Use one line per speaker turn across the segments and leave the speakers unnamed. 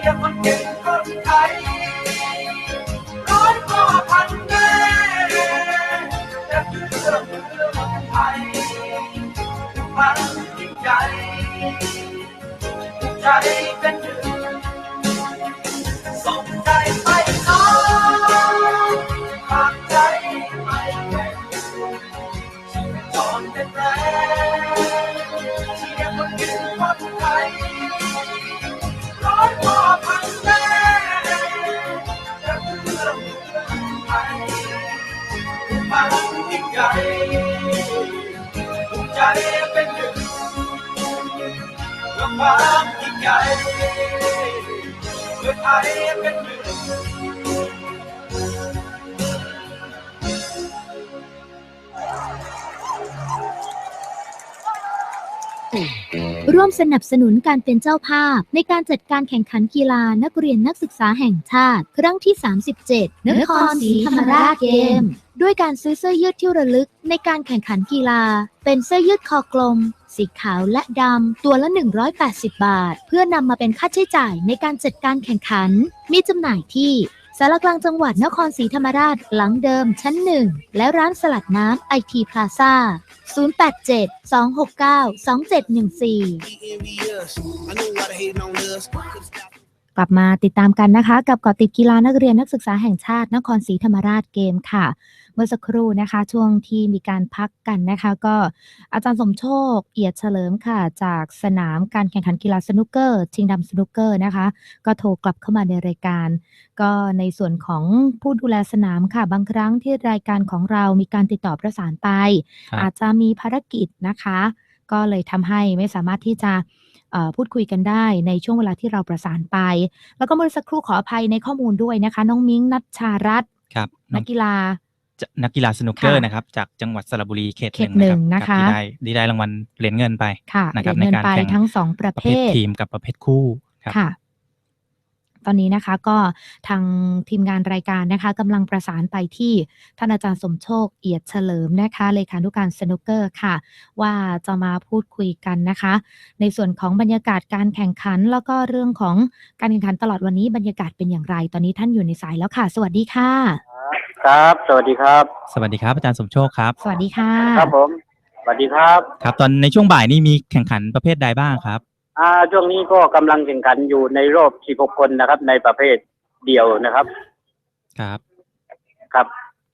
ยร์คนเก่งคนไทยร้อยพ่อพันแม่จะเพื่อเมืองไทยมันยิ่งใหญ่ใจเป็นหนึ่งส่งใจไปน้องฝากใจไปแข่งชีวิตจรเป็นแรงเชียร์คนเก่งคนไทยร้อยพ่อพันแม่จะเพื่อเมืองไทยมันยิ่งใหญ่ใจเป็นหนึ่งความยิ่งใหญ่เพื่อไทยเป็นหนึ่ง
ร่วมสนับสนุนการเป็นเจ้าภาพในการจัดการแข่งขันกีฬานักเรียนนักศึกษาแห่งชาติครั้งที่ 37 นครศรีธรรมราชเกมด้วยการซื้อเสื้อยืดที่ระลึกในการแข่งขันกีฬาเป็นเสื้อยืดคอกลมสีขาวและดำตัวละ180 บาทเพื่อนำมาเป็นค่าใช้จ่ายในการจัดการแข่งขันมีจำหน่ายที่สารกลางจังหวัดนครศรีธรรมราชหลังเดิมชั้น1และร้านสลัดน้ำไอทีพลาซ่า087-269-2714กลับมาติดตามกันนะคะกับเกาะติดกีฬานักเรียนนักศึกษาแห่งชาตินครศรีธรรมราชเกมค่ะเมื่อสักครู่นะคะช่วงที่มีการพักกันนะคะก็อาจารย์สมโชคเอียดเฉลิมค่ะจากสนามการแข่งขันกีฬาสนุกเกอร์ชิงดำสนุกเกอร์นะคะก็โทรกลับเข้ามาในรายการก็ในส่วนของผู้ดูแลสนามค่ะบางครั้งที่รายการของเรามีการติดต่อประสานไปอาจจะมีภารกิจนะคะก็เลยทำให้ไม่สามารถที่จะพูดคุยกันได้ในช่วงเวลาที่เราประสานไปแล้วก็เมื่อสักครู่ขออภัยในข้อมูลด้วยนะคะน้องมิ้งนัชชารัตน์นักกีฬาสนุกเกอร์นะครับจากจังหวัดสระบุรีเขตหนึ่งนะคะที่ได้รางวัลเหรียญเงินไปนะครับในการแข่งทั้ง2ประเภททีมกับประเภทคู่ค่ะตอนนี้นะคะก็ทางทีมงานรายการนะคะกำลังประสานไปที่ท่านอาจารย์สมโชคเอียดเฉลิมนะคะเลขานุการสนุกเกอร์ค่ะว่าจะมาพูดคุยกันนะคะในส่วนของบรรยากาศการแข่งขันแล้วก็เรื่องของการแข่งขันตลอดวันนี้บรรยากาศเป็นอย่างไรตอนนี้ท่านอยู่ในสายแล้วค่ะสวัสดีค่ะ
ครับสวัสดีครับ
สวัสดีครับอาจารย์สมโชคครับ
สวัสดีค่ะ
ครับผมสวัสดีครับ
ครับตอนในช่วงบ่ายนี้มีแข่งขันประเภทใดบ้างครับ
ช่วงนี้ก็กำลังแข่งขันอยู่ในรอบ16คนนะครับในประเภทเดี่ยวนะครับ
ครับ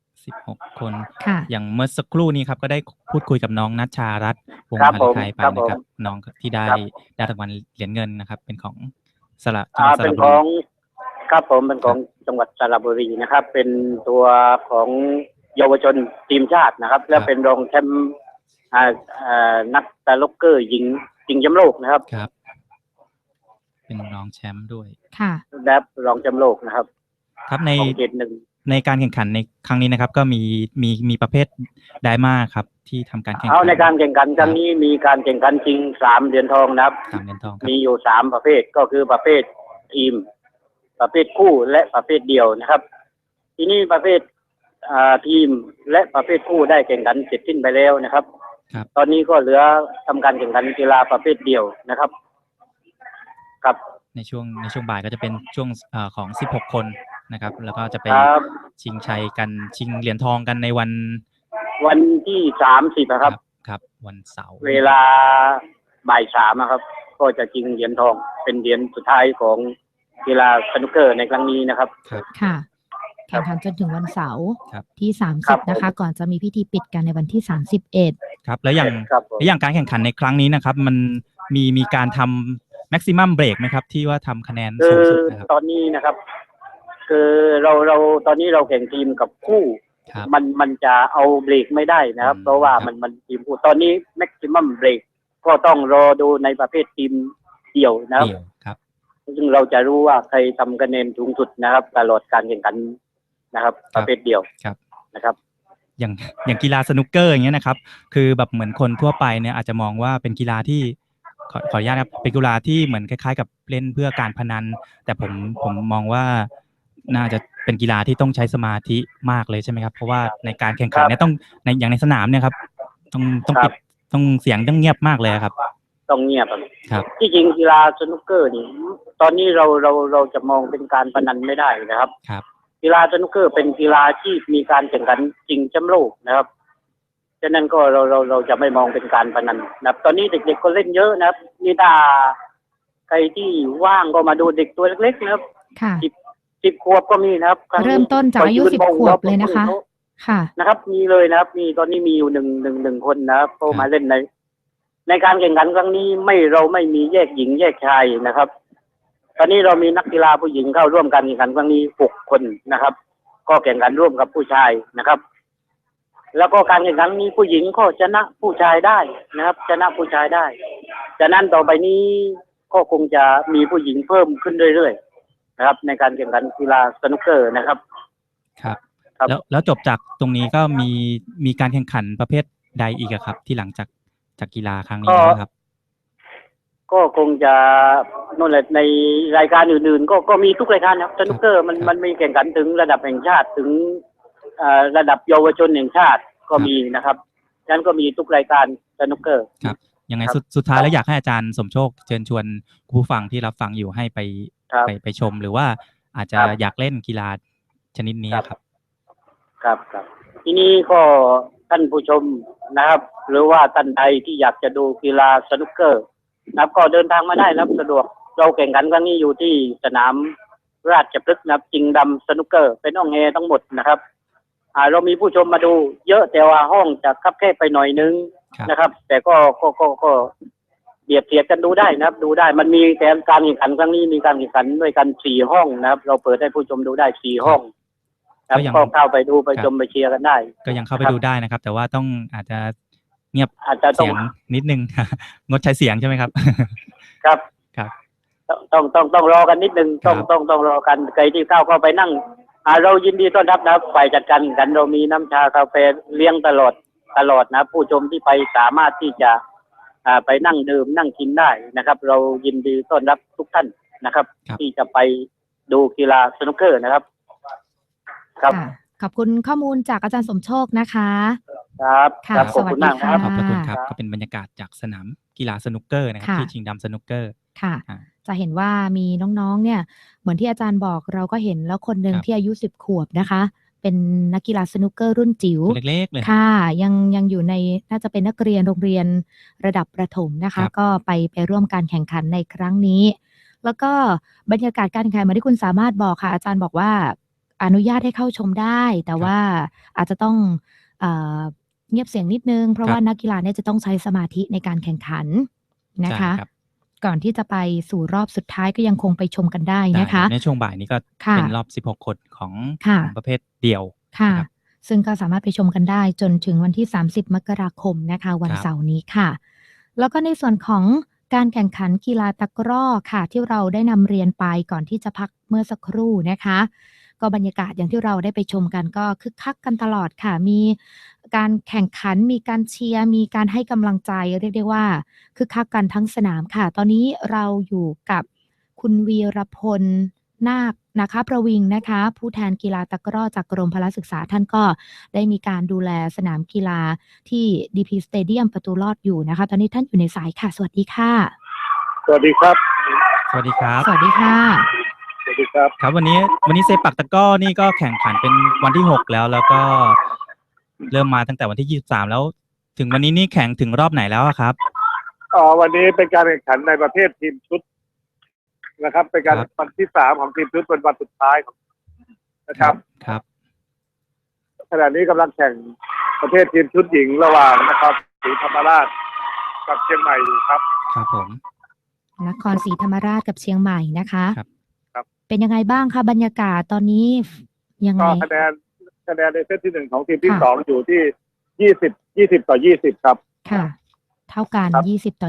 16คนอย่างเมื่อสักครู่นี้ครับก็ได้พูดคุยกับน้องนัชชารัตน์วงศ์หาไทยไปนะครับน้องที่ได้รางวัลเหรียญเงินนะครับเป็นของจังหวัดสระบุรี
เป็นของครับผมเป็นของจังหวัดสระบุรีนะครับเป็นตัวของเยาวชนทีมชาตินะครับและเป็นรองแชมป์นักตะลุกเกอร์หญิงชิงแชมป์โลกนะครับ
เป็นรองแชมป์ด้วย
ค่ะ
และรองแชมป์โลกนะครับ
ครับในการแข่งขันในครั้งนี้นะครับก็มีประเภทไดมาครับที่ทำการแข่งขัน
ในการแข่งขันครั้งนี้มีการแข่งขันชิง3เหรียญทองนะครับ
3เหรียญทอง
มีอยู่3ประเภทก็คือประเภททีมประเภทคู่และประเภทเดี่ยวนะครับทีนี้ประเภททีมและประเภทคู่ได้แข่งขันเสร็จสิ้นไปแล้วนะครับตอนนี้ก็เหลือทำการแข่งขันกีฬาประเภทเดี่ยวนะครับครับ
ในช่วงบ่ายก็จะเป็นช่วงของ16คนนะครับแล้วก็จะไปชิงชัยกันชิงเหรียญทองกันในวัน
ที่30ครับ
วันเสาร์
เวลาบ่าย3ครับก็จะชิงเหรียญทองเป็นเหรียญสุดท้ายของกีฬาสนุกเกอร์ในครั้งนี้นะครับ
ค่ะแข่งขันจนถึงวันเสาร์ที่30นะคะก่อนจะมีพิธีปิดกันในวันที่31
ครับแล้วอย่างการแข่งขันในครั้งนี้นะครับมันมีการทำแม็กซิมัมเบรกไหมครับที่ว่าทำคะแนนสูงสุดนะครับ
ตอนนี้นะครับคือเราตอนนี้เราแข่งทีมกับคู่มันจะเอาเบรกไม่ได้นะครับเพราะว่ามันทีมคู่ตอนนี้แม็กซิมัมเบรกก็ต้องรอดูในประเภททีมเดี่ยวนะครับซึ่งเราจะรู้ว่าใครทำคะแนนสูงสุดนะครับตลอดการแข่งขันนะครับประเภทเดียวนะครับ
อย่างกีฬาสนุกเกอร์อย่างเงี้ยนะครับคือแบบเหมือนคนทั่วไปเนี่ยอาจจะมองว่าเป็นกีฬาที่ขออนุญาตครับเป็นกีฬาที่เหมือนคล้ายๆกับเล่นเพื่อการพนันแต่ผมมองว่าน่าจะเป็นกีฬาที่ต้องใช้สมาธิมากเลยใช่ไหมครับเพราะว่าในการแข่งขันเนี่ยต้องอย่างในสนามเนี่ยครับต้องปิดต้องเสียงต้องเงียบมากเลยครับ
ต้องเงียบ
ครับ
ที่จริงกีฬาสนุกเกอร์นี่ตอนนี้เราจะมองเป็นการพนันไม่ได้นะครับ
ครับ
กีฬาสนุกเกอร์เป็นกีฬาที่มีการแข่งขันจริงแชมป์โลกนะครับฉะนั้นก็เราจะไม่มองเป็นการพนันนะครับตอนนี้เด็กๆก็เล่นเยอะนะครับนี่ถ้าใครที่ว่างก็มาดูเด็กตัวเล็กๆนะครับ
ค่ะ
10 ขวบก็มีนะครับ
เริ่มต้นจากอายุ10 ขวบเลยนะคะ ค่ะ
นะครับมีเลยนะครับมีตอนนี้มีอยู่หนึ่งคนนะครับก็มาเล่นในการแข่งขันครั้งนี้เราไม่มีแยกหญิงแยกชายนะครับ ตอนนี้เรามีนักกีฬาผู้หญิงเข้าร่วมการแข่งขันครั้งนี้6 คนนะครับ ก็แข่งขันร่วมกับผู้ชายนะครับ แล้วก็การแข่งขันนี้ผู้หญิงก็ชนะผู้ชายได้นะครับ ชนะผู้ชายได้ฉะนั้นต่อไปนี้ก็คงจะมีผู้หญิงเพิ่มขึ้นเรื่อยๆนะครับ ในการแข่งขันกีฬาสนุกเกอร์นะครับ
ครับ
ครับ
แล้วจบจากตรงนี้ก็มีการแข่งขันประเภทใดอีกอะครับ ที่หลังจากกีฬาครั้งนี้นะครับ
ก็คงจะนั่นแหละในรายการอื่นๆก็มีทุกรายการนะครับสนุกเกอร์มันมีแข่งขันถึงระดับแห่งชาติถึงระดับเยาวชนแห่งชาติก็มีนะครับฉะนั้นก็มีทุกรายการสนุกเกอร์
ครับยังไงสุดท้ายแล้วอยากให้อาจารย์สมโชคเชิญชวนผู้ฟังที่รับฟังอยู่ให้ไปชมหรือว่าอาจจะอยากเล่นกีฬาชนิดนี้ครับ
ครับทีนี้ก็ท่านผู้ชมนะครับ หรือว่าท่านใดที่อยากจะดูกีฬาสนุกเกอร์นะครับก็เดินทางมาได้นะครับสะดวกเราแข่งขันครั้งนี้อยู่ที่สนามราชพฤกษ์นะครับจิงดำสนุกเกอร์เป็นห้องแอร์ทั้งหมดนะครับเรามีผู้ชมมาดูเยอะแต่ว่าห้องจะคับแคบไปหน่อยนึงนะครับ แต่ก็เบียดเสียดกันดูได้นะครับ ดูได้มันมีแต่การแข่งขันครั้งนี้มีการแข่งขันด้วยกัน4 ห้องนะครับ เราเปิดให้ผู้ชมดูได้4 ห้องครับก็เข้าไปดูไปชมไปเชียร์กันได้
ก็ยังเข้าไปดูได้นะครับ แต่ว่าต้องอาจจะเงียบ
อาจจะเสี
ยงนิดนึง งดใช้เสียงใช่ไหมครับ
ครับต้องรอกันนิดนึงต้องรอกันใครที่เข้าไปนั่งเรายินดีต้อนรับนะครับฝ่ายจัดการกันเรามีน้ำชากาแฟเลี้ยงตลอดนะผู้ชมที่ไปสามารถที่จะไปนั่งดื่มนั่งกินได้นะครับ เรายินดีต้อนรับทุกท่านนะครับ ที่จะไปดูกีฬาสนุกเกอร์นะครับครับ
ขอบคุณข้อมูลจากอาจารย์สมโชคนะคะ
ครับขอบคุณมากครับ
ขอบคุณครับก็เป็นบรรยากาศจากสนามกีฬาสนุกเกอร์นะครับที่ชิงดำสนุกเกอร์
ค่ะจะเห็นว่ามีน้องๆเนี่ยเหมือนที่อาจารย์บอกเราก็เห็นแล้วคนหนึ่งที่อายุ10 ขวบนะคะเป็นนักกีฬาสนุกเกอร์รุ่นจิ๋ว
เล็กๆเลย
ค่ะยังอยู่ในน่าจะเป็นนักเรียนโรงเรียนระดับประถมนะคะก็ไปร่วมการแข่งขันในครั้งนี้แล้วก็บรรยากาศการแข่งขันเหมือนที่คุณสามารถบอกค่ะอาจารย์บอกว่าอนุญาตให้เข้าชมได้แต่ว่าอาจจะต้องเงียบเสียงนิดนึงเพราะว่านักกีฬาเนี่ยจะต้องใช้สมาธิในการแข่งขันนะคะก่อนที่จะไปสู่รอบสุดท้ายก็ยังคงไปชมกันได้นะคะ
ในช่วงบ่ายนี้ก็เป็นรอบ16 คนของประเภทเดี่ยว
ค่ะซึ่งก็สามารถไปชมกันได้จนถึงวันที่30 มกราคมนะคะวันเสาร์นี้ค่ะแล้วก็ในส่วนของการแข่งขันกีฬาตะกร้อค่ะที่เราได้นำเรียนไปก่อนที่จะพักเมื่อสักครู่นะคะก็บรรยากาศอย่างที่เราได้ไปชมกันก็คึกคักกันตลอดค่ะมีการแข่งขันมีการเชียร์มีการให้กำลังใจเรียกได้ว่าคึกคักกันทั้งสนามค่ะตอนนี้เราอยู่กับคุณวีรพลนาคนะคะประวิงนะคะผู้แทนกีฬาตะกร้อจากกรมพละศึกษาท่านก็ได้มีการดูแลสนามกีฬาที่ DP Stadium ประตูลอดอยู่นะคะตอนนี้ท่านอยู่ในสายค่ะสวัสดีค่ะ
สวัสดีครับ
สวัสดีครับ
สวัสดีค่ะ
สวัสดีครับ
ครับวันนี้เซปักตะกร้อนี่ก็แข่งขันเป็นวันที่6แล้วก็เริ่มมาตั้งแต่วันที่23แล้วถึงวันนี้นี่แข่งถึงรอบไหนแล้วครับ
วันนี้เป็นการแข่งขันในประเภททีมชุดนะครับเป็นการวันที่3ของทีมชุดเป็นวันสุดท้ายนะครับขณะนี้กำลังแข่งประเภททีมชุดหญิงระหว่างนครศรีธรรมราชกับเชียงใหม่อยู่ครับ
ครับผม
นครศรีธรรมราชกับเชียงใหม่นะคะ
ครับ
เป็นยังไงบ้างคะบรรยากาศตอนนี้ยังไง
คะแนนในเซตที่1ของทีมที่2อยู่ที่20 ต่อ 20ครับ
ค่ะเท่ากัน20 ต่อ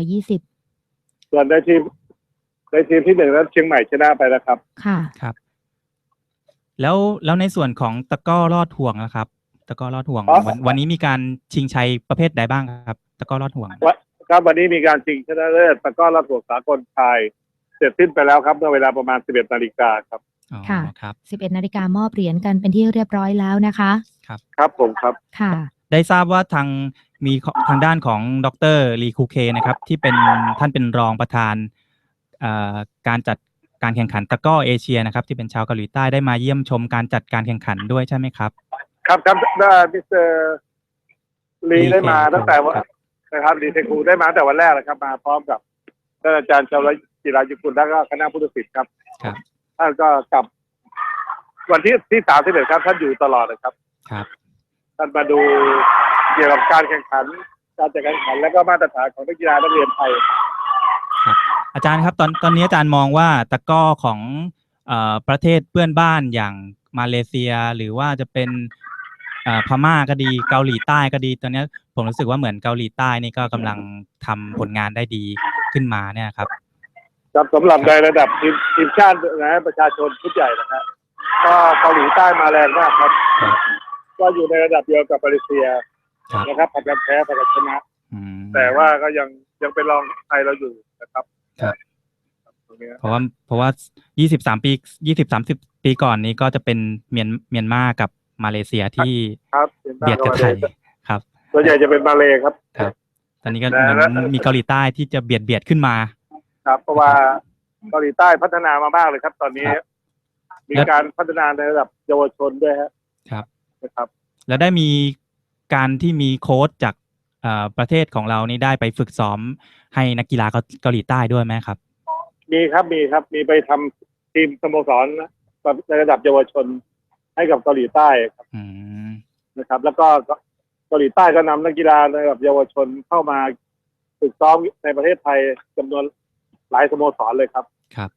20
ส่วนในทีมที่1นั้นเชียงใหม่ชนะไปแล้วครับ
ค่ะ
ครับแล้วในส่วนของตะกร้อลอดห่วงนะครับตะกร้อลอดห่วงวันนี้มีการชิงชัยประเภทใดบ้างครับตะกร้อลอดห่วง
ครับวันนี้มีการชิงชนะเลิศตะกร้อลอดห่วงสากลชายเสร็จสิ้นไปแล้วครับเมื่อเวลาประมาณ 11 นาฬิกาครับ
ค่ะ11 นาฬิกามอบเหรียญกันเป็นที่เรียบร้อยแล้วนะคะ
ครับผมครับ
ค่ะ
ได้ทราบว่าทางมีทางด้านของดรลีคูเคนะครับที่เป็นท่านเป็นรองประธานการจัดการแข่งขันตะกร้อเอเชียนะครับที่เป็นชาวเกาหลีใต้ได้มาเยี่ยมชมการจัดการแข่งขันด้วยใช่ไหมครับ
ครับได้มิสเตอร์ลีได้มาตั้งแต่วันนะครับลีเทคูได้มาแต่วันแรกเลยครับมาพร้อมกับท่านอาจารย์ชาวจิรายุกุลและก็คณะผู้ตัดสินครับท่านก็กลับวันที่31ครับท่านอยู่ตลอดเลยครับท่านมาดูเกี่ยวกับการแข่งขันการจัดการแข่งขันและก็มาตรฐานของนักกีฬานักเรียนไทย
ครับอาจารย์ครับตอนนี้อาจารย์มองว่าตะกร้อของประเทศเพื่อนบ้านอย่างมาเลเซียหรือว่าจะเป็นพม่าก็ดีเกาหลีใต้ก็ดีตอนนี้ผมรู้สึกว่าเหมือนเกาหลีใต้นี่ก็กำลังทำผลงานได้ดีขึ้นมาเนี่ยครับ
สำหรับในระดับทีมชาตินะประชาชนชุดใหญ่นะครับก็เกาหลีใต้มาแรงมากครับก็อยู่ในระดับเดียวกับมาเลเซียนะครับผลัดกันแพ้ผลัดกันชนะแต่ว่าก็ยังเป็นรองไทยเราอยู่นะครับ
เพราะว่า20-30 ปีก่อนนี้ก็จะเป็นเมียนมากับมาเลเซียที่เบียดกับไทยครับ
ส่วนใหญ่จะเป็นมาเลครับ
ตอนนี้ก็เหมือนมีเกาหลีใต้ที่จะเบียดขึ้นมา
ครับเพราะว่าเกาหลีใต้พัฒนามามากเลยครับตอนนี้มีการพัฒนาในระดับเยาวชนด้วย
ครับนะครับแล้วได้มีการที่มีโค้ชจากประเทศของเรานี่ได้ไปฝึกซ้อมให้นักกีฬาเกาหลีใต้ด้วยไหมครับ
มีมีไปทำทีมสโมสรในระดับเยาวชนให้กับเกาหลีใต้ครับนะครับแล้วก็เกาหลีใต้ก็นำนักกีฬาในระดับเยาวชนเข้ามาฝึกซ้อมในประเทศไทยจำนวนหลายสโมสรเลยครับ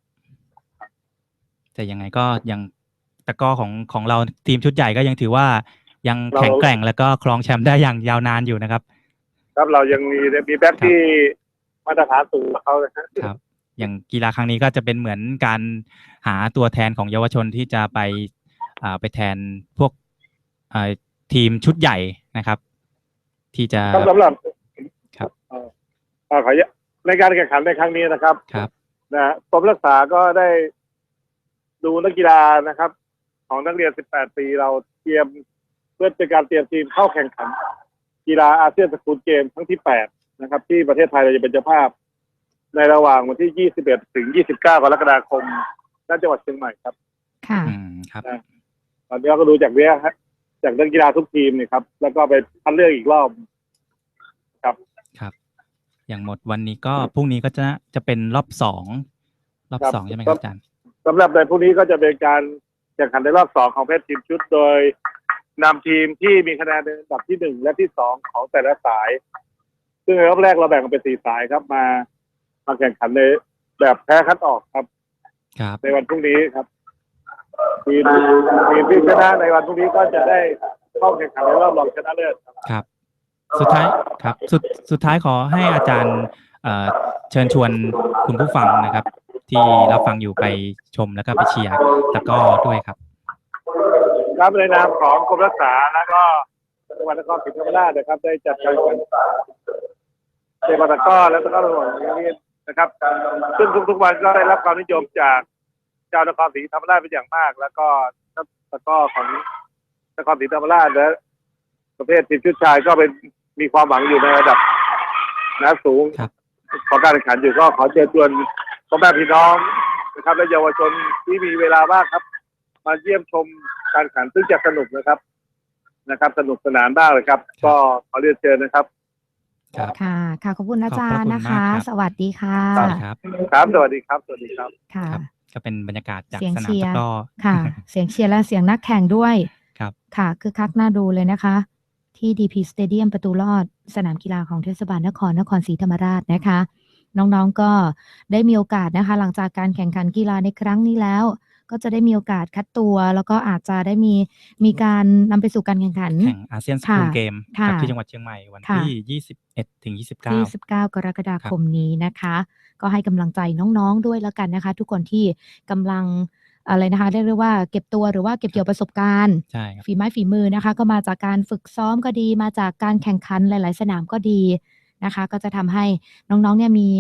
แต่ยังไงก็ยังตะกร้อของเราทีมชุดใหญ่ก็ยังถือว่ายังแข็งแกร่งแล้วก็ครองแชมป์ได้อย่างยาวนานอยู่นะครับ
ครับเรายังมีแบ็คที่มาตรฐานสูงกว่าเขาเลย
ครับอย่างกีฬาครั้งนี้ก็จะเป็นเหมือนการหาตัวแทนของเยาวชนที่จะไปแทนพวกทีมชุดใหญ่นะครับที่จะ
สำหรับครับขอในการแข่งขันในครั้งนี้นะครับนะกรมรักษาก็ได้ดูนักกีฬานะครับของนักเรียน18 ปีเราเตรียมเพื่อเป็นการเตรียมทีมเข้าแข่งขันกีฬาอาเซียนสกูลเกมครั้งที่8นะครับที่ประเทศไทยเราจะเป็นเจ้าภาพในระหว่างวันที่21 ถึง 29 กรกฎาคมณ จังหวัดเชียงใหม่ครับ
ค่ะ
ครับ
ตอนนี้เราก็ดูจากเนี้ยจากนักกีฬาทุกทีมนี่ครับแล้วก็ไปคัดเลือกอีกรอบครับ
อย่างหมดวันนี้ก็พรุ่งนี้ก็จะเป็นรอบ2ใช่ไหมครับอาจารย์
สำหรับในพรุ่งนี้ก็จะเป็นการแข่งขันในรอบ2ของเพชรทีมชุดโดยนำทีมที่มีคะแนนในอันดับที่1และที่2ของแต่ละสายซึ่งในรอบแรกเราแบ่งเป็น4 สายครับมาแข่งขันในแบบแพ้คัดออกครับในวันพรุ่งนี้ครับทีมที่ชนะในวันพรุ่งนี้ก็จะได้เข้าแข่งขันในรอบรองชนะเลิศ
ครับสุดท้ายครับสุดท้ายขอให้อาจารย์เชิญชวนคุณผู้ฟังนะครับที่รับฟังอยู่ไปชมแล้วก็ไปเชียร์ตะกร้อด้วยครับ
ครับในนามของกรมรักษาแล้วก็จังหวัดนครศรีธรรมราชนะครับได้จัดการแข่งขันในตะกร้อและตะกร้อระหว่างนี้นะครับซึ่งทุกๆวันก็ได้รับความนิยมจากชาวนครศรีธรรมราชเป็นอย่างมากแล้วก็ตะกร้อของนครศรีธรรมราชและประเภททีมชุดชายก็มีความหวังอยู่ในระดับสูงของการแข่งขันอยู่ก็ขอเชิญชวนพ่อแม่พี่น้องนะครับและเยาวชนที่มีเวลาว่างครับมาเยี่ยมชมการแข่งขันซึ่งจะสนุกนะครับสนุกสนานมากเลยครับก็ขอเรียนเชิญนะครับ
ค่ะขอบคุณอาจารย์นะคะสวัสดีค่ะ
ครับสวัสดีครับ
ค่ะ
ก็เป็นบรรยากาศจากสนามตะกร้อ
ค่ะเสียงเชียร์และเสียงนักแข่งด้วยค่ะคือคักน่าดูเลยนะคะที่ DP Stadium ประตูลอดสนามกีฬาของเทศบาลนครศรีธรรมราชนะคะน้องๆก็ได้มีโอกาสนะคะหลังจากการแข่งขันกีฬาในครั้งนี้แล้วก็จะได้มีโอกาสคัดตัวแล้วก็อาจจะได้มีการนำไปสู่การแข่งขัน
แข่งอาเซียนสกูลเกมที่จังหวัดเชียงใหม่วันที่21 ถึง 29
กรกฎาคมนี้นะคะก็ให้กำลังใจน้องๆด้วยแล้วกันนะคะทุกคนที่กำลังอะไรนะคะเรียกว่าเก็บตัวหรือว่าเก็บเกี่ยวประสบการณ์ฝีไม้ฝีมือนะคะก็มาจากการฝึกซ้อมก็ดีมาจากการแข่งขันหลายๆสนามก็ดีนะคะก็จะทำให้น้องๆเนี่ย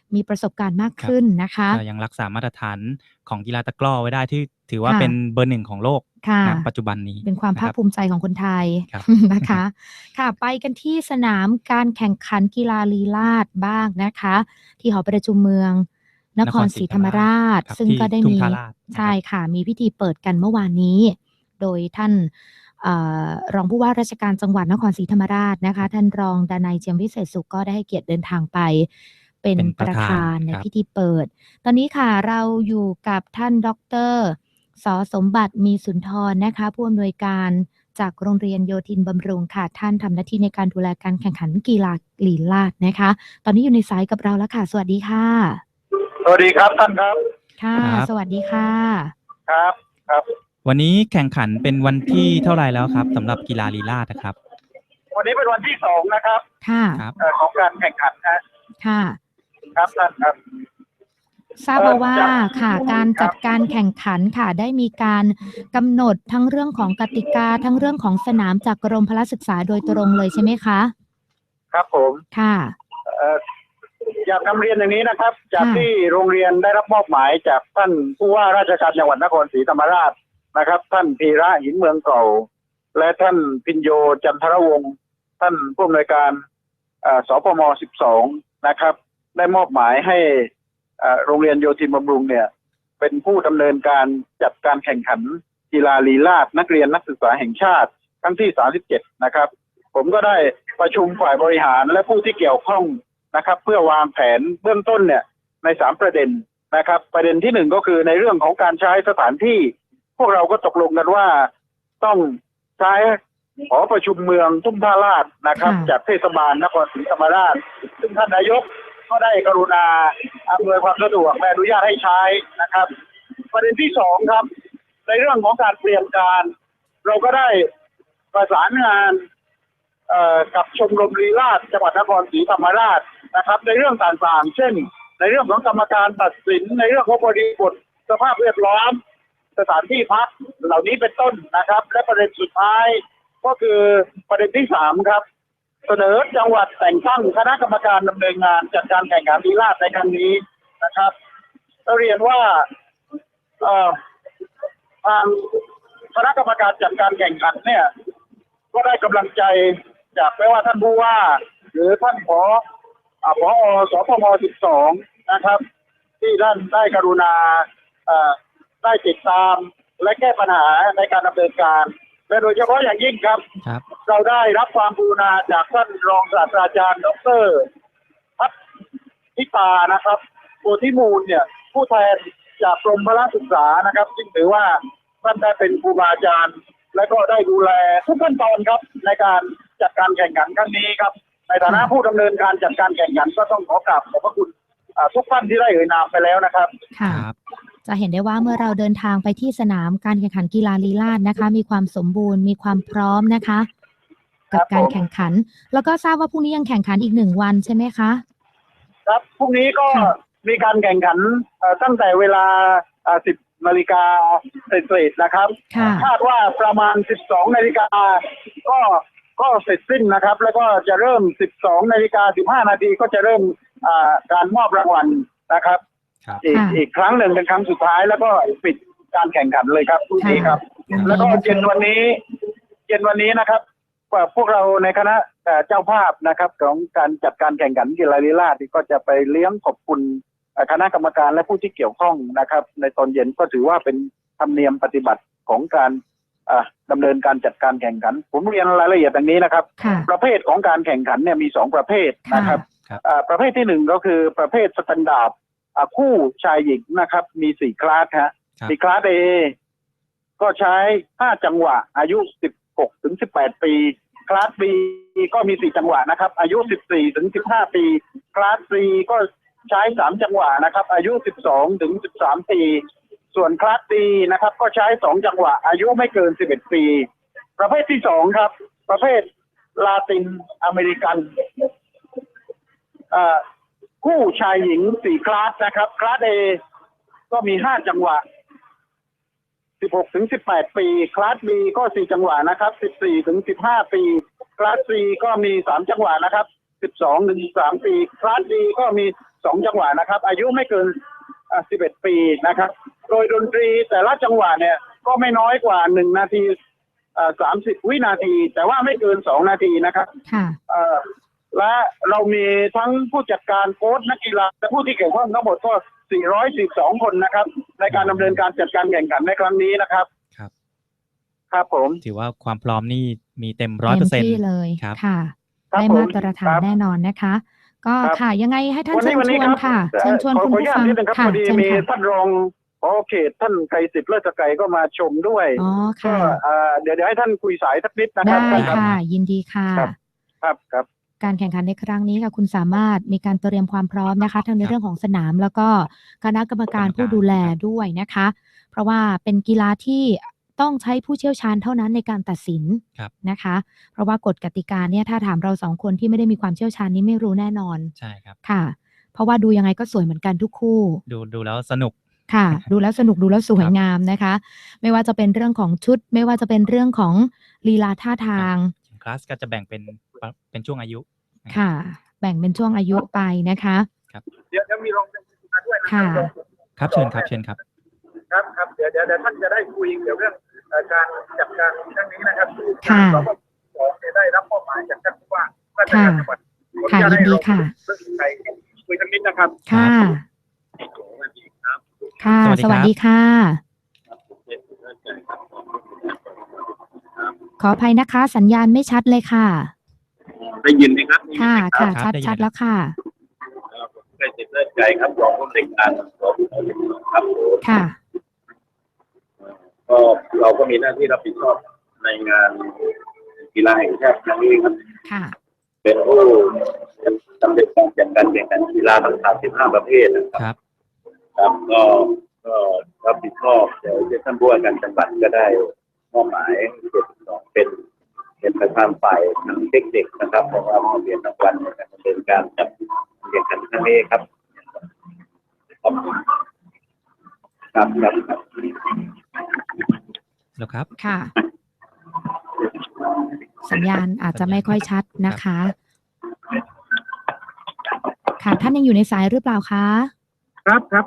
มีประสบการณ์มากขึ้นนะคะ
ยังรักษามาตรฐานของกีฬาตะกร้อไว้ได้ที่ถือว่า
ค่ะ
เป็นเบอร์ 1ของโลก
ค่ะ
ณปัจจุบันนี้
เป็นความภาคภูมิใจของคนไทย
ครับ
นะคะ ค่ะ ไปกันที่สนามการแข่งขันกีฬาลีลาศบ้างนะคะ ที่หอประชุมเมืองนครศรีธรรมราช
ครับ
ซึ่งก็ได้
ที่ทุ่
มี
งท่าลาดนะครับ
ใช่ค่ะ มีพิธีเปิดกันเมื่อวานนี้ โดยท่านรองผู้ว่าราชการจังหวัดนครศรีธรรมราชนะคะ ท่านรองดนัย เจียมวิเศษสุขก็ได้ให้เกียรติเดินทางไป เป็นประธานในพิธีเปิด ตอนนี้ค่ะเราอยู่กับท่านดร.ส.สมบัติมีสุนทรนะคะผู้อำนวยการจากโรงเรียนโยธินบำรุงค่ะ ท่านทำหน้าที่ในการดูแลการแข่งขันกีฬาลีลาศนะคะ ตอนนี้อยู่ในสายกับเราแล้วค่ะ สวัสดีค่ะ
สวัสดีครับท่านครับ
ค่ะ
ครับ
สวัสดีค่ะ
ครับครับ
วันนี้แข่งขันเป็นวันที่เท่าไหร่แล้วครับสำหรับกีฬาลีลาศนะครับ
วันนี้เป็นวันที่2นะครับ
ค่ะ
ครับ
ของการแข่งขันนะ
ค่ะ
ครับท่านครับ
ทราบมาว่าค่ะ การจัดการแข่งขันค่ะ ได้มีการกำหนดทั้งเรื่องของกติกาทั้งเรื่องของสนามจากกรมพละศึกษาโดยตรงเลยใช่ไหมคะ
ครับผม
ค่ะ
อยากนำเรียนอย่างนี้นะครับ จาก
ค่ะ
ที่โรงเรียนได้รับมอบหมายจากท่านผู้ว่าราชการจังหวัดนครศรีธรรมราชนะครับ ท่านพีระหินเมืองเก่า และท่านพิญโยจันทรวงศ์ท่านผู้อำนวยการสพม12นะครับ ได้มอบหมายให้โรงเรียนโยธินบำรุงเนี่ยเป็นผู้ดำเนินการจัดการแข่งขันกีฬาลีลาศนักเรียนนักศึกษาแห่งชาติครั้งที่37นะครับผมก็ได้ประชุมฝ่ายบริหารและผู้ที่เกี่ยวข้องนะครับเพื่อวางแผนเบื้องต้นเนี่ยใน3ประเด็นนะครับประเด็นที่1ก็คือในเรื่องของการใช้สถานที่พวกเราก็ตกลงกันว่าต้องใช้หอประชุมเมืองทุ่งท่าลาดนะครับ
ค่ะ
จากเทศบาลนครศรีธรรมราชซึ่งท่านนายกก็ได้กรุณาอำนวยความสะดวกและอนุญาตให้ใช้นะครับประเด็นที่2ครับในเรื่องของการเตรียมการเราก็ได้ประสานงานกับชมรมลีลาศจังหวัดนครศรีธรรมราชนะครับในเรื่องต่างๆเช่นในเรื่องของกรรมการตัดสินในเรื่องของบริบทสภาพแวดล้อมสถานที่พักเหล่านี้เป็นต้นนะครับและประเด็นสุดท้ายก็คือประเด็นที่3ครับเสนอจังหวัดแต่งตั้งคณะกรรมการดำเนินงานจัดการแข่งขันลีลาศในครั้งนี้นะครับเราเรียนว่าทางคณะกรรมการจัดการแข่งขันเนี่ยก็ได้กำลังใจจากไม่ว่าท่านผู้ว่าหรือท่านผอสพม12นะครับที่ท่านได้กรุณาได้ติดตามและแก้ปัญหาในการดำเนินการและโดยเฉพาะอย่างยิ่งครับ เราได้รับความกรุณาจากท่านรองศาสตราจารย์ดร.พัฒนิตานะครับโพธิมูลเนี่ยผู้แทนจากกรมพละศึกษานะครับซึ่งถือว่าท่านได้เป็นครูบาอาจารย์และก็ได้ดูแลทุกขั้นตอนครับในการจัดการแข่งขันครั้งนี้ครับในฐานะผู้ดำเนินการจัดการแข่งขันก็ต้องขอกราบขอบพระคุณทุกท่านที่ได้เอ่ยนามไปแล้วนะครับ
ค่ะ จะเห็นได้ว่าเมื่อเราเดินทางไปที่สนามการแข่งขันกีฬาลีลาศนะคะ มีความสมบูรณ์มีความพร้อมนะคะ กับการแข่งขัน แล้วก็ทราบว่าพรุ่งนี้ยังแข่งขันอีก1 วันใช่ไหมคะ
ครับพรุ่งนี้ก็มีการแข่งขันตั้งแต่เวลา10 นาฬิกาเศษๆนะครับ
ค่ะ
คาดว่าประมาณ12 นาฬิกาก็เสร็จสิ้นนะครับ แล้วก็จะเริ่ม12 นาฬิกา 15 นาทีก็จะเริ่มการมอบรางวัลนะครับ อีกครั้งหนึ่งเป็นครั้งสุดท้ายแล้วก็ปิดการแข่งขันเลยครับพรุ่งนี้ครับ แล้วก็เย็นวันนี้นะครับพวกเราในคณะเจ้าภาพนะครับของการจัดการแข่งขันกีฬาลีลาศก็จะไปเลี้ยงขอบคุณคณะกรรมการและผู้ที่เกี่ยวข้องนะครับในตอนเย็นก็ถือว่าเป็นธรรมเนียมปฏิบัติของการดำเนินการจัดการแข่งขันผมเรียนรายละเอียดอย่างนี้นะครับ ประเภทของการแข่งขันเนี่ยมี2 ประเภทนะครับประเภทที่1ก็คือประเภทสแตนดาร์ดคู่ชายหญิงนะครับมี4 คลาสฮะมีคลาส A ก็ใช้5 จังหวะอายุ16 ถึง 18 ปีคลาส B ก็มี4 จังหวะนะครับอายุ 14 ถึง 15 ปีคลาส C ก็ใช้3 จังหวะนะครับอายุ 12 ถึง 13 ปีส่วนคลาส D นะครับก็ใช้2 จังหวะอายุไม่เกิน11 ปีประเภทที่2ครับประเภทลาตินอเมริกันคู่ชายหญิง4 คลาสนะครับคลาส A ก็มี5 จังหวะ16 ถึง 18 ปีคลาส B ก็4 จังหวะนะครับ14 ถึง 15 ปีคลาส C ก็มี3 จังหวะนะครับ12 ถึง 13 ปีคลาส D ก็มี
2 จังหวะนะครับอายุไม่เกิน11 ปีนะครับโดยดนตรีแต่ละจังหวะเนี่ยก็ไม่น้อยกว่า1 นาที30 วินาทีแต่ว่าไม่เกิน2 นาทีนะครับและเรามีทั้งผู้จัดการโค้ชนักกีฬาและผู้ที่เกี่ยวข้องทั้งหมดก็412 คนนะครับในการดำเนินการจัดการแข่งขันในครั้งนี้นะครับครับผม
ถือว่าความพร้อมนี่มีเต็ม
100%ที่เลยค่ะได้มาตรฐานแน่นอนนะคะก็ค่ะยังไงให้ท่านเชิญชวนค่ะเชิญชวนคุณผู้ฟัง
ค่ะเชิญค่ะท่านรองผอ.เขตท่านไกรสิทธิ์เลิศไกรก็มาชมด้วยก็เดี๋ยวให้ท่านคุยสายสักนิดนะครับ
ได้ค่ะยินดีค่ะ
ครับ
การแข่งขันในครั้งนี้ค่ะคุณสามารถมีการเตรียมความพร้อมนะคะทั้งในเรื่องของสนามแล้วก็คณะกรรมการผู้ดูแลด้วยนะคะเพราะว่าเป็นกีฬาที่ต้องใช้ผู้เชี่ยวชาญเท่านั้นในการตัดสินนะคะเพราะว่ากฎกติกาเนี่ยถ้าถามเรา2 คนที่ไม่ได้มีความเชี่ยวชาญนี้ไม่รู้แน่นอน
ใช่ครับ
ค่ะเพราะว่าดูยังไงก็สวยเหมือนกันทุกคู่
ดูแล้วสนุก
ค่ะดูแล้วสนุกดูแล้วสวยงามนะคะไม่ว่าจะเป็นเรื่องของชุดไม่ว่าจะเป็นเรื่องของลีลาท่าทาง
คลาสก็จะแบ่งเป็นช่วงอายุ
ค่ะแบ่งเป็นช่วงอายุไปนะคะ
ครับเดี๋ยวมีรองเป็นผู้ด้วยนะ
ครับเชิญครับ
ครับเดี๋ยวท่านจะได้คุยเกี่ยวเรื่องการจัดการครั้งนี้นะครับ
ค่ะ
เราก็ได้รับมอบหมายจากท่านผู้ว่า
ราชการจังหวัดค่ะยินดีค่ะ
คุยทั้งนิดนะครับ
ค่ะค่ะสวัสดีค่ะขออภัยนะคะสัญญาณไม่ชัดเลยค่ะ
ได้ยินไหมครับ
ค่ะชัดแล้วค่ะ
ได้ติดเลือดใจครับรองผู้ในการครับ
ค่ะ
ก็เราก็มีหน้าที่รับผิดชอบในงานกีฬาแห่งชาติครั้งนี้ครับ
ค่ะ
เป็นผู้ดำเนินการจัดการแข่งขันกีฬาทั้ง35 ประเภทนะครับครับก็รับผิดชอบเดี๋ยวท่านผู้ว่าการจังหวัดก็ได้มอบหมาย72เป็นประธานฝ่ายทางเทคนิคนะครับของเรามอบเหรียญรางวัลในการดำเนินการจัดแข่งขันครั้งนี้ครับ
แล้วครับ
ค่ะสัญญาณอาจจะไม่ค่อยชัดนะคะค่ะท่านยังอยู่ในสายหรือเปล่าคะ
ครับค่ะ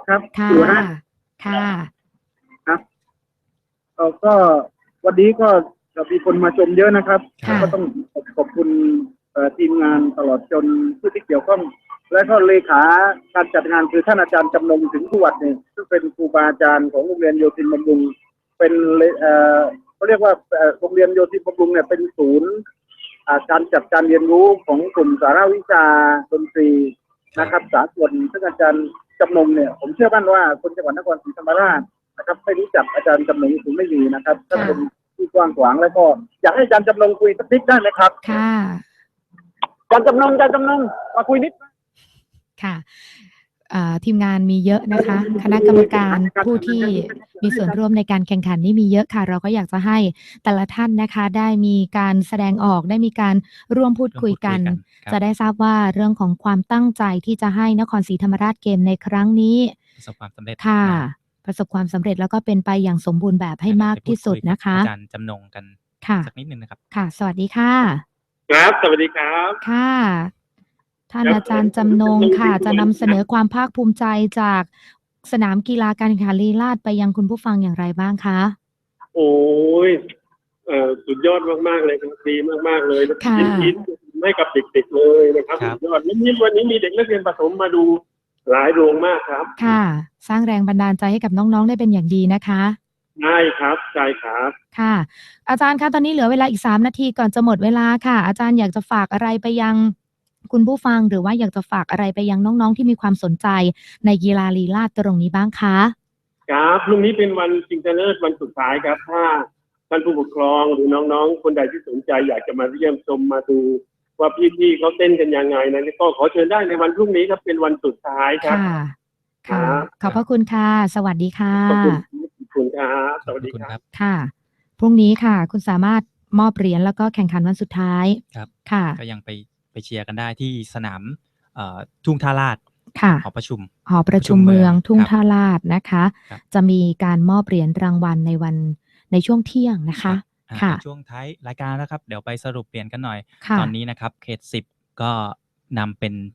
ครับ
ก็วันนี้ก็มีคนมาชมเยอะนะครับก็ต้องขอบคุณทีมงานตลอดจนผู้ที่เกี่ยวข้องและก็เลขาการจัดงานคือท่านอาจารย์จำนงถึงผู้วัดเนี่ยซึ่งเป็นครูบาอาจารย์ของโรงเรียนโยธินบำรุงเป็นเขาเรียกว่าโรงเรียนโยธินบำรุงเนี่ยเป็นศูนย์การจัดการเรียนรู้ของกลุ่มสาระวิชาดนตรีนะครับสากลซึ่งอาจารย์จำนงเนี่ยผมเชื่อมั่นว่าคนจังหวัดนครศรีธรรมราชนะครับไม่รู้จักอาจารย์จำนงถึงไม่มีนะครับท่านเป็นที่กว้างขวางแล้วก็อยากให้อาจารย์จำนงคุยสักนิดได้ไหมครับ
ค่ะ
อาจารย์จำนงมาคุยนิด
ค่ะทีมงานมีเยอะนะคะคณะกรรมการผู้ที่มีส่วนร่วมในการแข่งขันนี่มีเยอะค่ะเราก็อยากจะให้แต่ละท่านนะคะได้มีการแสดงออกได้มีการร่วมพูดคุยกันจะได้ทราบว่าเรื่องของความตั้งใจที่จะให้นครศรีธรรมราชเกมในครั้งนี้
ประสบความสำเร็จ
ค่ะประสบความสำเร็จแล้วก็เป็นไปอย่างสมบูรณ์แบบให้มากที่สุดนะคะ
อาจารย์จำนงกันสักนิดนึงนะครับ
ค่ะสวัสดีค่ะ
ครับสวัสดีครับ
ค่ะท่านอาจารย์จำนงค่ะจะนำเสนอความภาคภูมิใจจากสนามกีฬาการแข่งขันลีลาศไปยังคุณผู้ฟังอย่างไรบ้างคะ
โอ้ยสุดยอดมากๆเลยครับดีมากๆเลยยิ้มให้กับเด็กๆเลยนะครับสุดยอดยิ้มวันนี้มีเด็กนักเรียนประถมมาดูหลายโรงมากครับ
ค่ะสร้างแรงบันดาลใจให้กับน้องๆได้เป็นอย่างดีนะคะ
ใช่ครับ
ค่ะอาจารย์คะตอนนี้เหลือเวลาอีก3 นาทีก่อนจะหมดเวลาค่ะอาจารย์อยากจะฝากอะไรไปยังคุณผู้ฟังหรือว่าอยากจะฝากอะไรไปยังน้องๆที่มีความสนใจในกีฬาลีลาศตรงนี้บ้างคะ
ครับพรุ่งนี้เป็นวันชิงชนะเลิศวันสุดท้ายครับถ้าท่านผู้ปกครองหรือน้องๆคนใดที่สนใจอยากจะมาเยี่ยมชมมาดูว่าพี่ๆเขาเต้นกันยังไงนะก็ขอเชิญได้ในวันพรุ่งนี้ครับเป็นวันสุดท้ายครับ
ค่ะขอบพระคุณค่ะสวัสดีค่ะ
ขอบคุณครับสวัสดีครับ
ค่ะพรุ่งนี้ค่ะคุณสามารถมอบเหรียญแล้วก็แข่งขันวันสุดท้าย
ครับ
ค่ะ
ก็ยังไปเชียร์กันได้ที่สนามทุ่งท่าลาดหอประชุม
เมืองทุ่งท่าลาดนะคะจะมีการมอบเหรียญรางวัลในช่วงเที่ยงนะคะ
ค่ะช่วงท้ายรายการนะครับเดี๋ยวไปสรุปเหรียญกันหน่อยตอนนี้นะครับเขต10ก็นำเป็น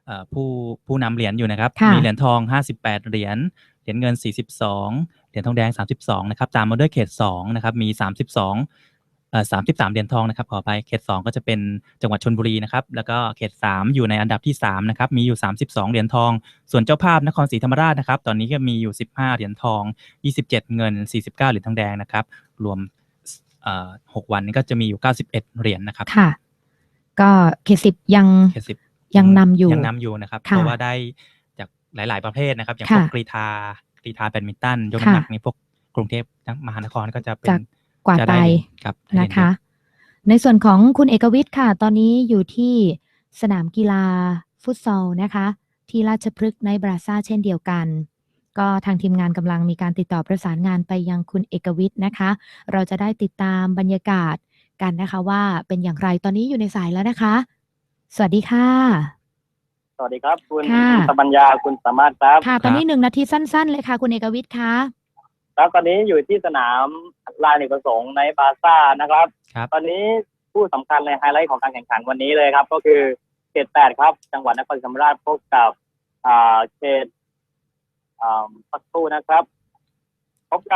ผู้นำเหรียญอยู่นะครับ
ค่ะ
มีเหรียญทอง58เหรียญเงิน42เหรียญทองแดง32นะครับตามมาด้วยเขต2นะครับมี33เหรียญทองนะครับขอไปเขต2ก็จะเป็นจังหวัดชลบุรีนะครับแล้วก็เขต3อยู่ในอันดับที่3นะครับมีอยู่32เหรียญทองส่วนเจ้าภาพนครศรีธรรมราชนะครับตอนนี้ก็มีอยู่15เหรียญทอง27เงิน49เหรียญทองแดงนะครับรวม6วันนี้ก็จะมีอยู่91เหรียญนะครับ
ค่ะก็เขต10
เขต10
ยังนำอยู่
นะครับเพ
ค่ะ
ราะว่าได้จากหลายๆประเภทนะครับอย่างพ
ค่ะ
วกกรีฑาแบดมินตันยกน้ำหนัก
ค่ะ
นี่พวกกรุงเทพมหานครก็จะเป็น
จากกวาด
จะ
ไป
ได้เหรียญครับได้เหรียญ
นะคะ ในส่วนของคุณเอกวิทย์ค่ะ ตอนนี้อยู่ที่สนามกีฬาฟุตซอลนะคะ ที่ราชพฤกษ์ในบราซ่าเช่นเดียวกัน ก็ทางทีมงานกำลังมีการติดต่อประสานงานไปยังคุณเอกวิทย์นะคะ เราจะได้ติดตามบรรยากาศกันนะคะว่าเป็นอย่างไรตอนนี้อยู่ในสายแล้วนะคะ สวัสดีค่ะ
สวัสดีครับคุณ
ค่ะ
สปัญญาคุณสามารถครับ
ค่ะ ตอนนี้1 นาทีสั้นๆเลยค่ะคุณเอกวิทย์คะ
แล้วตอนนี้อยู่ที่สนามลานเนกประสงค์ในบาซ่านะครับ
ครับ
ตอนนี้ผู้สำคัญในไฮไลท์ของการแข่งขันวันนี้เลยครับ ก็คือเขต8ครับ จังหวัดนครศรีธรรมราชพบกับเขตสักครู่นะครับ พบ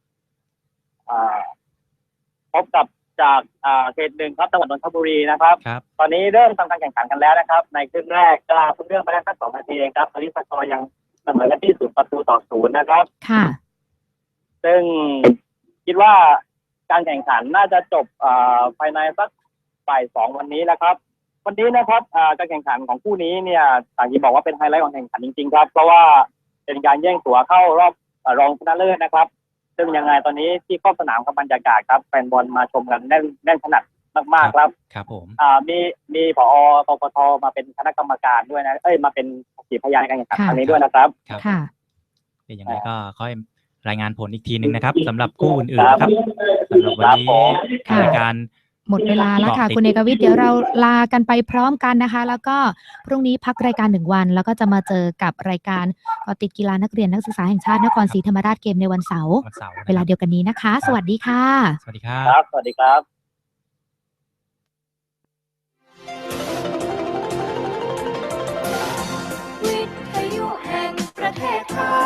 กับจากเขต1ครับจังหวัดนนทบุรีนะครับ
ครับ
ตอนนี้เริ่มทำการแข่งขันกันแล้วนะครับ ในครึ่งแรกก็เพิ่งเริ่มไปได้แค่2 นาทีเองครับตอนนี้สกอร์ยังเสมอกันที่0-0นะครับ
ค่ะ
ซึ่งคิดว่าการแข่งขันน่าจะจบภายในสักบ่าย 2วันนี้นะครับ วันนี้นะครับการแข่งขันของคู่นี้เนี่ยต่างที่บอกว่าเป็นไฮไลท์ของแข่งขันจริงๆครับเพราะว่าเป็นการแย่งตั๋วเข้ารอบรองชนะเลิศนะครับ ซึ่งยังไงตอนนี้ที่ขอบสนามกับบรรยากาศครับแฟนบอลมาชมกันแน่นขนาดมากๆครับ
ครับผม
มีผอ.ปปทมาเป็นคณะกรรมการด้วยนะมาเป็นสักขีพยานในการแข่งขัน
ค่ะ
ครั้งนี้ด้วยนะครับ
ครับ
ค่ะ
เป็นยังไงก็ค่อยรายงานผลอีกทีนึงนะครับสำหรับคู่อื่นๆนะครับสำหรับวันนี้
ค่ะ
รายการ
หมดเวลาแล้วค่ะ
เกาะติด
คุณเอกวิทย์เดี๋ยวเราลากันไปพร้อมกันนะคะ แล้วก็พรุ่งนี้พักรายการ1 วัน แล้วก็จะมาเจอกับรายการเกาะติดกีฬานักเรียนนักศึกษาแห่งชาตินครศรีธรรมราชเกมในวันเสาร์
วันเสาร์
เวลาเดียวกันนี้นะคะ สวัสดีค่ะ
สวัสดีครับ
ครับ สวัสดีครับ
วิทยุแห่งประเทศไทย